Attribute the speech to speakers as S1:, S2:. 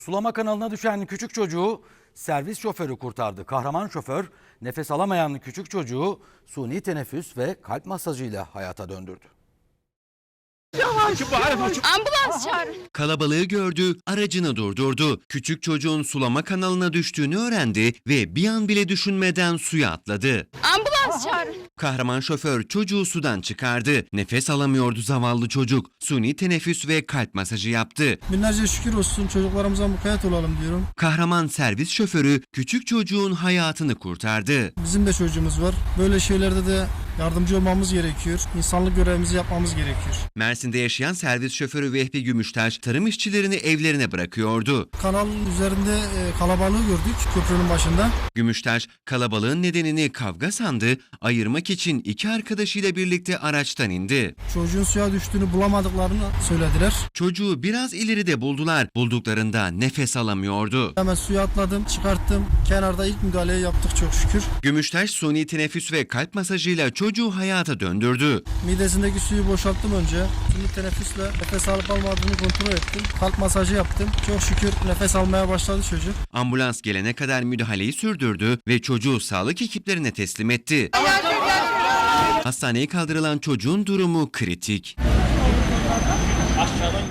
S1: Sulama kanalına düşen küçük çocuğu servis şoförü kurtardı. Kahraman şoför nefes alamayan küçük çocuğu suni teneffüs ve kalp masajıyla hayata döndürdü.
S2: Ambulans çağırın.
S3: Kalabalığı gördü, aracını durdurdu. Küçük çocuğun sulama kanalına düştüğünü öğrendi ve bir an bile düşünmeden suya atladı.
S2: Ambulans çağırın.
S3: Kahraman şoför çocuğu sudan çıkardı. Nefes alamıyordu zavallı çocuk. Suni teneffüs ve kalp masajı yaptı.
S4: Binlerce şükür olsun, çocuklarımıza mukayyet olalım diyorum.
S3: Kahraman servis şoförü küçük çocuğun hayatını kurtardı.
S4: Bizim de çocuğumuz var. Böyle şeylerde de yardımcı olmamız gerekiyor. İnsanlık görevimizi yapmamız gerekiyor.
S3: Mersin'de yaşayan servis şoförü Vehbi Gümüştaş tarım işçilerini evlerine bırakıyordu.
S4: Kanalın üzerinde kalabalığı gördük köprünün başında.
S3: Gümüştaş kalabalığın nedenini kavga sandı, ayırmak için iki arkadaşıyla birlikte araçtan indi.
S4: Çocuğun suya düştüğünü bulamadıklarını söylediler.
S3: Çocuğu biraz ileride buldular. Bulduklarında nefes alamıyordu.
S4: Hemen suya atladım, çıkarttım. Kenarda ilk müdahaleyi yaptık çok şükür.
S3: Gümüştaş suni teneffüs ve kalp masajıyla çocuğu hayata döndürdü.
S4: Midesindeki suyu boşalttım önce. Şimdi teneffüsle nefes alıp almadığını kontrol ettim. Kalp masajı yaptım. Çok şükür nefes almaya başladı çocuk.
S3: Ambulans gelene kadar müdahaleyi sürdürdü ve çocuğu sağlık ekiplerine teslim etti. Hastaneye kaldırılan çocuğun durumu kritik.